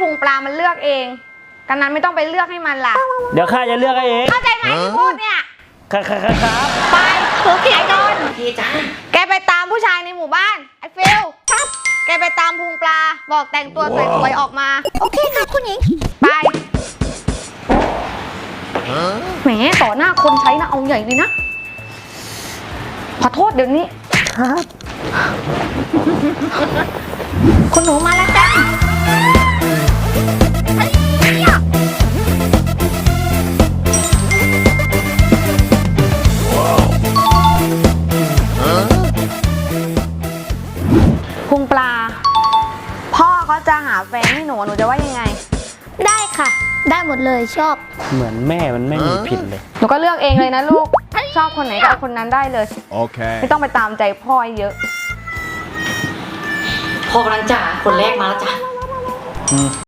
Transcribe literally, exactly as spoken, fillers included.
งปลามันเลือกเองกันนั้นไม่ต้องไปเลือกให้มันล่ะเดี๋ยวข้าจะเลือกให้เองเข้าใจไหมที่พูดเนี่ยครับครับครับไปโอเคไอ้ดนโอเคจ้าแกไปตามผู้ชายในหมู่บ้านไอ้ฟิลครับแกไปตามพุงปลาบอกแต่งตัวสวยๆออกมาโอเคค่ะคุณหญิงไปแหมต่อหน้าคนใช้นะเอาใหญ่เลยนะขอโทษเดี๋ยวนี้ครับคุณหนูมาแล้วจ้าพุงปลาพ่อเขาจะหาแฟนให้หนูหนูจะว่ายังไงได้ค่ะได้หมดเลยชอบเหมือนแม่มันไม่มีผิดเลยหนูก็เลือกเองเลยนะลูกชอบคนไหนก็เอาคนนั้นได้เลยโอเคไม่ต้องไปตามใจพ่อเยอะพ่อกำลังจ่าคนแรกมาแล้วจ้า